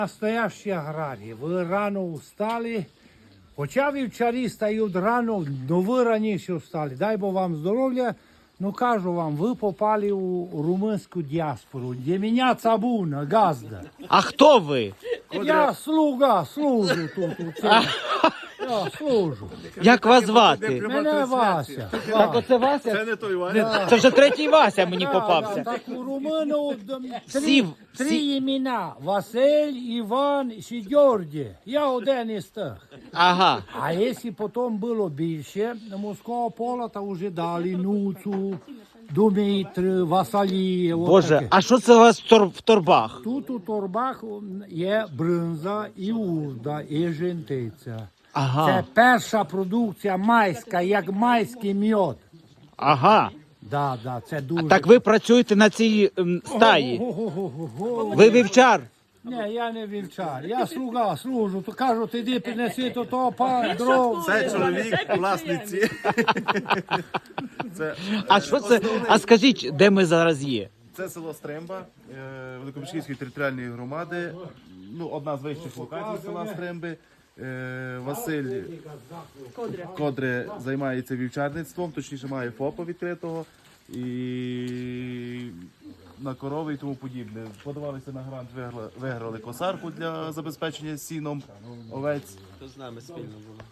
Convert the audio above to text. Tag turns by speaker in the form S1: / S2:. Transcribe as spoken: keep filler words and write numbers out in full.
S1: Настоящі аграрії, ви рано встали, хоча вівчарі стають рано, но ви раніше встали. Дай Бог вам здоров'я. Ну кажу вам, ви попали у румунську діаспору, де мене цабуна, газда.
S2: А хто ви?
S1: Я слуга, служу тут. у цьому. Я служу.
S2: Як вас звати?
S1: Мене Вася.
S2: Так оце Вася?
S3: Це не той Ваня.
S2: Це вже третій Вася мені
S1: Да,
S2: попався.
S1: так у румуну три,
S2: Всі-
S1: три
S2: всі-
S1: імена. Василь, Іван і Георгій. Я один із тих.
S2: Ага.
S1: А якщо потім було більше, морського пола, то вже дали Нуцу, Дмитрий, Василій. от
S2: Боже,
S1: таке.
S2: а що це у вас в тор- в торбах?
S1: Тут у торбах є бринза і урда, і жентиця. Це
S2: Ага.
S1: перша продукція майська, як майський мед.
S2: Ага.
S1: Да, да, це дуже...
S2: Так ви працюєте на цій ем, стаї?
S1: Го-го-го-го-го.
S2: Ви вівчар?
S1: Ні, я не вівчар, я слуга, служу. То кажуть, іди принеси то то, па, дров.
S3: Це чоловік власниці. Це,
S2: А що це? А скажіть, де ми зараз є?
S3: це село Стремба е, Великомишківської територіальної громади. Ну, одна з вищих локацій села Стремби. Е, Василь Кодре займається вівчарництвом, точніше має ФОПа відкритого. І на корови і тому подібне. Подавалися на грант, виграли, виграли косарку для забезпечення сіном овець.
S4: То з нами спільно було.